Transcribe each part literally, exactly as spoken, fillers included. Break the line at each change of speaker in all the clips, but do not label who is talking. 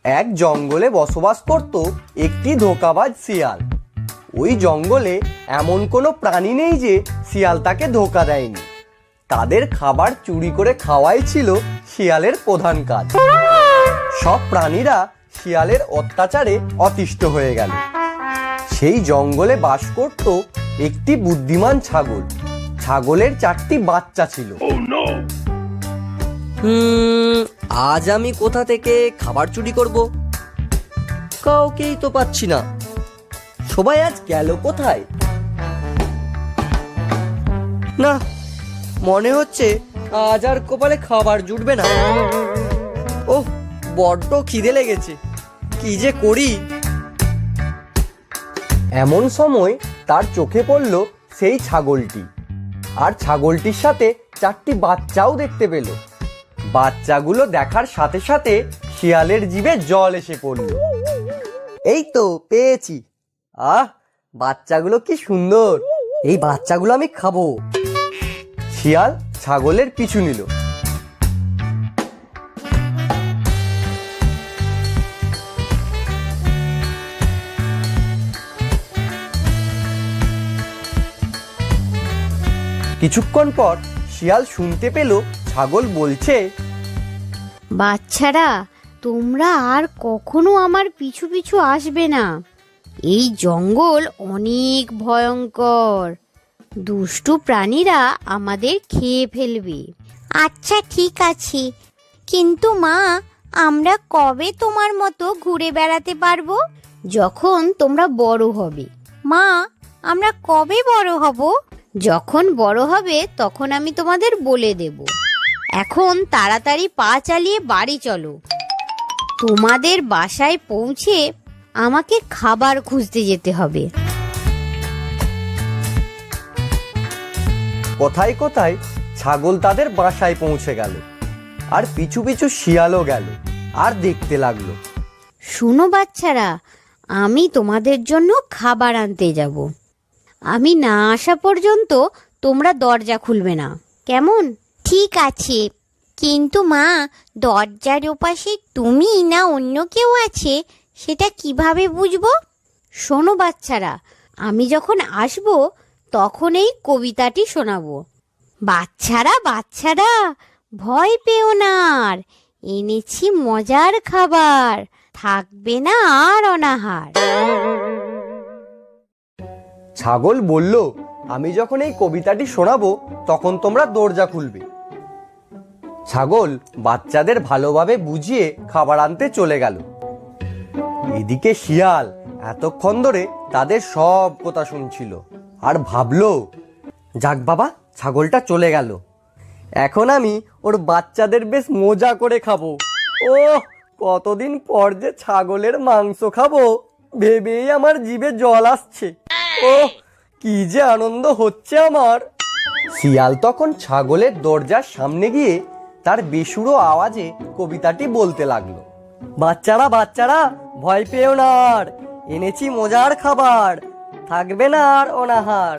এক জঙ্গলে বসবাস করত একটি ধোঁকাবাজ শিয়াল। ওই জঙ্গলে এমন কোনো প্রাণী নেই যে শিয়াল তাকে ধোঁকা দেয়নি। তাদের খাবার চুরি করে খাওয়াই ছিল শিয়ালের প্রধান কাজ। সব প্রাণীরা শিয়ালের অত্যাচারে অতিষ্ঠ হয়ে গেল। সেই জঙ্গলে বাস করত একটি বুদ্ধিমান ছাগল। ছাগলের চারটি বাচ্চা ছিল।
হুম আজ আমি কোথা থেকে খাবার চুরি করব? কাউকেই তো পাচ্ছি না। সবাই আজ গেল কোথায়? না, মনে হচ্ছে আজ আর কপালে খাবার জুটবে না। ওহ, বড্ড খিদে লেগেছে, কি যে করি।
এমন সময় তার চোখে পড়ল সেই ছাগলটি, আর ছাগলটির সাথে চারটি বাচ্চাও দেখতে পেল। বাচ্চাগুলো দেখার সাথে সাথে শিয়ালের জিভে জল এসে পড়ল।
এই তো পেয়েছি। আহ, বাচ্চাগুলো কি সুন্দর! এই বাচ্চাগুলো আমি খাবো।
শিয়াল ছাগলের পিছু নিল। কিছুক্ষণ পর শিয়াল শুনতে পেল ছাগল বলছে,
বাচ্চারা, তোমরা আর কখনো আমার পিছু পিছু আসবে না। এই জঙ্গল অনেক ভয়ঙ্কর। দুষ্টু প্রাণীরা আমাদের খেয়ে ফেলবে। আচ্ছা ঠিক আছে, কিন্তু মা, আমরা কবে তোমার মতো ঘুরে বেড়াতে পারবো? যখন তোমরা বড় হবে। মা, আমরা কবে বড় হব? যখন বড় হবে তখন আমি তোমাদের বলে দেব। এখন তাড়াতাড়ি পা চালিয়ে বাড়ি চলো। তোমাদের বাসায় পৌঁছে আমাকে খাবার খুঁজতে যেতে হবে।
কোথায় কোথায় ছাগল তাদের বাসায় পৌঁছে গেল, আর পিছু পিছু শিয়ালও গেল আর দেখতে লাগলো।
শুনো বাচ্চারা, আমি তোমাদের জন্য খাবার আনতে যাব। আমি না আসা পর্যন্ত তোমরা দরজা খুলবে না, কেমন? ঠিক আছে, কিন্তু মা, দরজার ওপাশে তুমি না অন্য কেউ আছে সেটা কিভাবে বুঝবো? শোনো বাচ্চারা, আমি যখন আসব তখন এই কবিতাটি শোনাবো। বাচ্চারা বাচ্চারা, ভয় পেও না আর, এনেছি মজার খাবার, থাকবে না আর অনাহার।
ছাগল বলল, আমি যখন এই কবিতাটি শোনাবো তখন তোমরা দরজা খুলবে। ছাগল বাচ্চাদের ভালোভাবে বুঝিয়ে খাবার আনতে চলে গেল। এদিকে শিয়াল এতক্ষণ ধরে তাদের সব কথা শুনছিল আর ভাবলো, যাক বাবা, ছাগলটা চলে গেল, এখন আমি ওর বাচ্চাদের বেশ মজা করে খাবো। ও কতদিন পর যে ছাগলের মাংস খাবো ভেবেই আমার জিভে জল আসছে। ও কি যে আনন্দ হচ্ছে আমার। শিয়াল তখন ছাগলের দরজার সামনে গিয়ে তার বেসুরো আওয়াজে কবিতাটি বলতে লাগলো।
বাচ্চারা বাচ্চারা, ভয় পেও না আর, এনেছি মজার খাবার, থাকবে না আর অনাহার।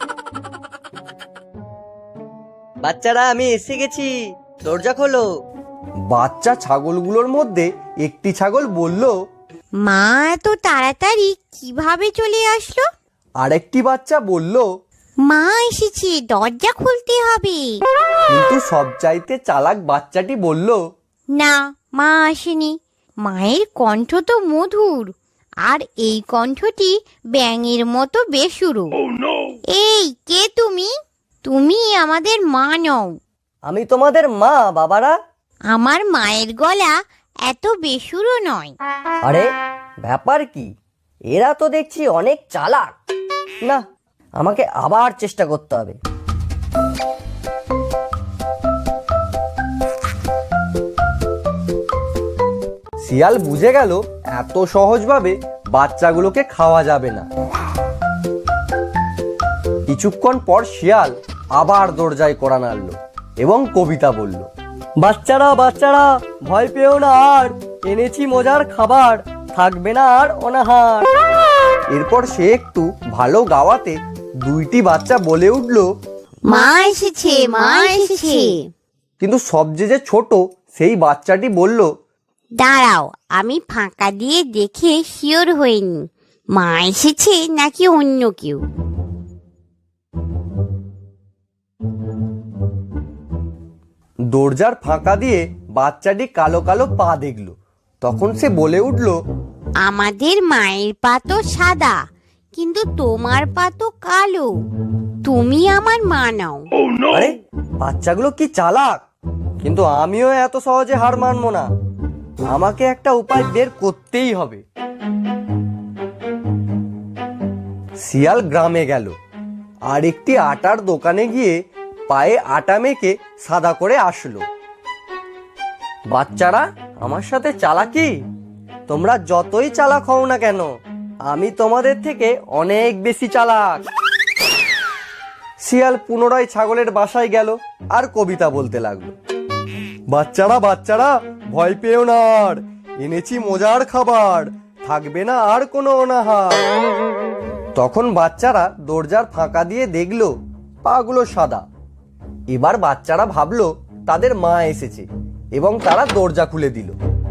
বাচ্চারা, আমি এসে গেছি, দরজা খোলো।
বাচ্চা ছাগলগুলোর মধ্যে একটি ছাগল বলল,
মা এত তাড়াতাড়ি কিভাবে চলে আসলো?
আরেকটি বাচ্চা বলল,
মা এসেছে, দরজা খুলতে হবে।
কিন্তু সবচাইতে চালাক বাচ্চাটি বলল,
না, মা আসেনি। মায়ের কণ্ঠ তো মধুর, আর এই কণ্ঠটি ব্যাঙের মতো বেসুরো। এই কে তুমি? তুমি আমাদের মা নও।
আমি তোমাদের মা বাবারা।
আমার মায়ের গলা এত বেসুরো নয়।
আরে ব্যাপার কি, এরা তো দেখছি অনেক চালাক। না, আমাকে আবার চেষ্টা করতে হবে।
শিয়াল বুঝে গেল এত সহজভাবে বাচ্চাগুলোকে খাওয়া যাবে না। কিছুক্ষণ পর শিয়াল আবার দরজায় কড়া নাড়ল এবং কবিতা বলল,
বাচ্চারা বাচ্চারা, ভয় পেও না আর, এনেছি মজার খাবার, থাকবে না আর অনাহার।
এরপর সে একটু ভালো গাওয়াতে দুইটি বাচ্চা বলে উঠল,
মা এসেছে, মা এসেছে।
কিন্তু সবচেয়ে যে ছোট সেই বাচ্চাটি বলল,
দাঁড়াও, আমি ফাঁকা দিয়ে দেখে শিওর হইনি মা এসেছে নাকি অন্য কেউ।
দরজার ফাঁকা দিয়ে বাচ্চাটি কালো কালো পা দেখলো। তখন সে বলে উঠল,
আমাদের মায়ের পা তো সাদা, কিন্তু তোমার পা তো কালো। তুমি আমার মা নাও।
আরে বাচ্চাগুলো কি চালাক! কিন্তু আমিও এত সহজে হার মানবো না। আমাকে একটা উপায় বের করতেই হবে। শিয়াল গ্রামে গেল আর একটি আটার দোকানে গিয়ে পায়ে আটা মেখে সাদা করে আসলো। বাচ্চারা, আমার সাথে চালাকি? তোমরা যতই চালাক হও না কেন, আমি তোমাদের থেকে অনেক বেশি চালাক। শিয়াল পুনরায় ছাগলের বাসায় গেল আর কবিতা বলতে লাগলো। বাচ্চারা বাচ্চারা ভয় পেও না, আর এনেছি মজার খাবার, থাকবে না আর কোনো অনাহার। তখন বাচ্চারা দরজার ফাঁকা দিয়ে দেখলো পাগুলো সাদা। এবার বাচ্চারা ভাবলো তাদের মা এসেছে এবং তারা দরজা খুলে দিল।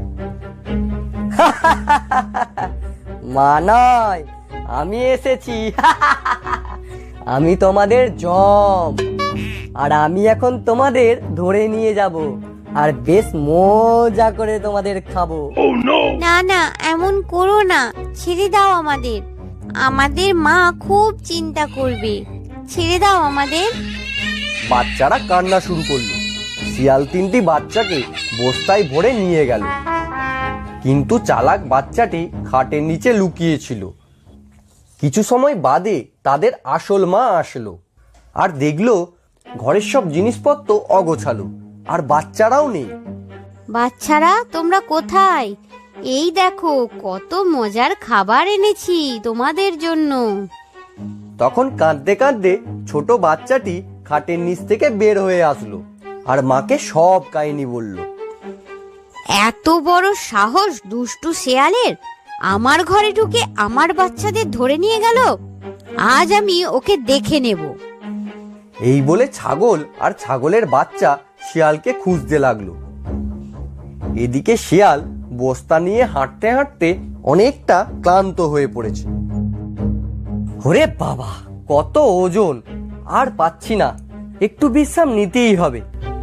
মা নয়, আমি এসেছি। আমি তোমাদের জম, আর আমি এখন তোমাদের ধরে নিয়ে যাব আর বেশ মজা করে তোমাদের খাবো।
না না, এমন করো না, ছেড়ে দাও আমাদের। আমাদের মা খুব চিন্তা করবে, ছেড়ে দাও আমাদের।
বাচ্চারা কান্না শুরু করলো। শিয়াল তিনটি বাচ্চাকে বস্তায় ভরে নিয়ে গেল, কিন্তু চালাক বাচ্চাটি খাটের নিচে লুকিয়েছিল। কিছু সময় বাদে তাদের আসল মা আসলো আর দেখলো ঘরের সব জিনিসপত্র অগোছালো আর বাচ্চারাও নেই।
বাচ্চারা, তোমরা কোথায়? এই দেখো কত মজার খাবার এনেছি তোমাদের জন্য।
তখন কাঁদতে কাঁদতে ছোট বাচ্চাটি খাটের নিচ থেকে বের হয়ে আসলো আর মাকে সব কাহিনী বলল।
এত বড় সাহস দুষ্টু শেয়ালের! আমার ঘরে ঢুকে আমার বাচ্চাদের ধরে নিয়ে গেল। আজ আমি ওকে দেখে নেব।
এই বলে ছাগল আর ছাগলের বাচ্চা শিয়ালকে খুঁজতে লাগলো। এদিকে শিয়াল বস্তা নিয়ে হাঁটতে হাঁটতে অনেকটা ক্লান্ত হয়ে পড়েছে। ওরে বাবা, কত ওজন! আর পাচ্ছি না, একটু বিশ্রাম নিতেই হবে।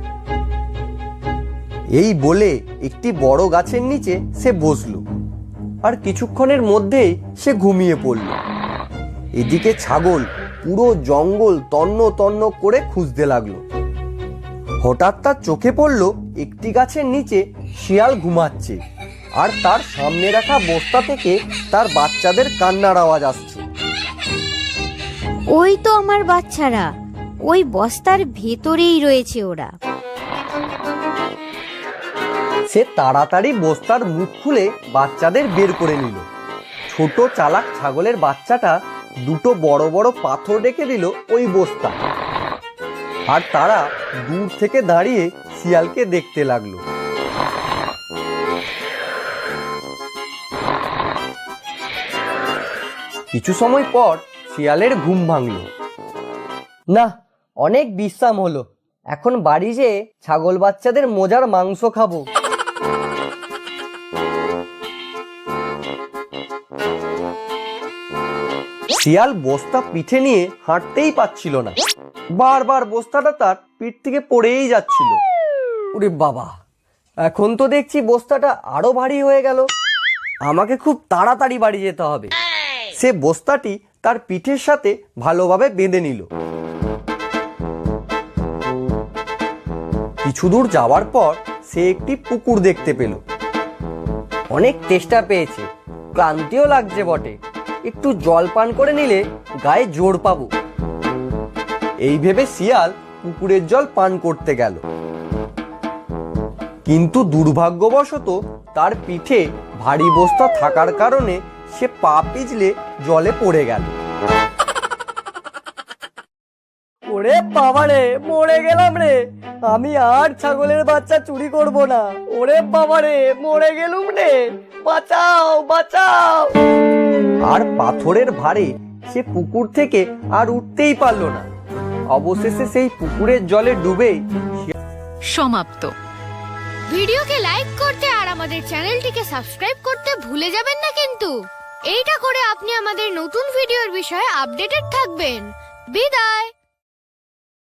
এই বলে একটি বড় গাছের নিচে সে বসলো আর কিছুক্ষণের মধ্যেই সে ঘুমিয়ে পড়ল। এদিকে ছাগল পুরো জঙ্গল তন্ন তন্ন করে খুঁজতে লাগলো। হঠাৎ তার চোখে পড়লো একটি গাছের নিচে শিয়াল ঘুমাচ্ছে আর তার সামনে রাখা বস্তা থেকে তার বাচ্চাদের কান্নার আওয়াজ আসছে।
ওই তো আমার বাচ্চারা, ওই বস্তার ভেতরেই রয়েছে ওরা।
সে তাড়াতাড়ি বস্তার মুখ খুলে বাচ্চাদের বের করে নিল। ছোট চালাক ছাগলের বাচ্চাটা দুটো বড় বড় পাথর রেখে দিল ওই বস্তা, আর তারা দূর থেকে দাঁড়িয়ে শিয়ালকে দেখতে লাগলো। কিছু সময় পর শিয়ালের ঘুম ভাঙল। না, অনেক বিশ্রাম হলো, এখন বাড়ি যেয়ে ছাগল বাচ্চাদের মজার মাংস খাবো। শিয়াল বস্তা পিঠে নিয়ে হাঁটতেই পাচ্ছিল না, বারবার বস্তাটা তার পিঠ থেকে পড়েই যাচ্ছিল। ওরে বাবা, এখন তো দেখছি বস্তাটা আরো ভারী হয়ে গেল। আমাকে খুব তাড়াতাড়ি বাড়ি যেতে হবে। সে বস্তাটি তার পিঠের সাথে ভালোভাবে বেঁধে নিল। কিছু দূর যাওয়ার পর সে একটি পুকুর দেখতে পেল। অনেক তেষ্টা পেয়েছে, ক্লান্তিও লাগছে বটে, একটু জল পান করে নিলে গায়ে জোর পাবো। এই ভেবে শিয়াল পুকুরের জল পান করতে গেল, কিন্তু দুর্ভাগ্যবশত তার পিঠে ভারী বস্তা থাকার কারণে সে পা পিছলে জলে পড়ে গেল। ওরে বাবা রে, মরে গেলাম রে! আমি আর ছাগলের বাচ্চা চুরি করব না। ওরে বাবা রে, মরে গেলুম রে! বাঁচাও, বাঁচাও! আর পাথরের ভারে সে পুকুর থেকে আর উঠতেই পারলো না। অবশেষে সেই পুকুরের জলে ডুবেই
সমাপ্ত।
ভিডিওকে লাইক করতে আর আমাদের আমাদের চ্যানেলটিকে সাবস্ক্রাইব করতে ভুলে যাবেন না কিন্তু। এইটা করে আপনি আমাদের নতুন ভিডিওর বিষয়ে আপডেটেড থাকবেন। বিদায়।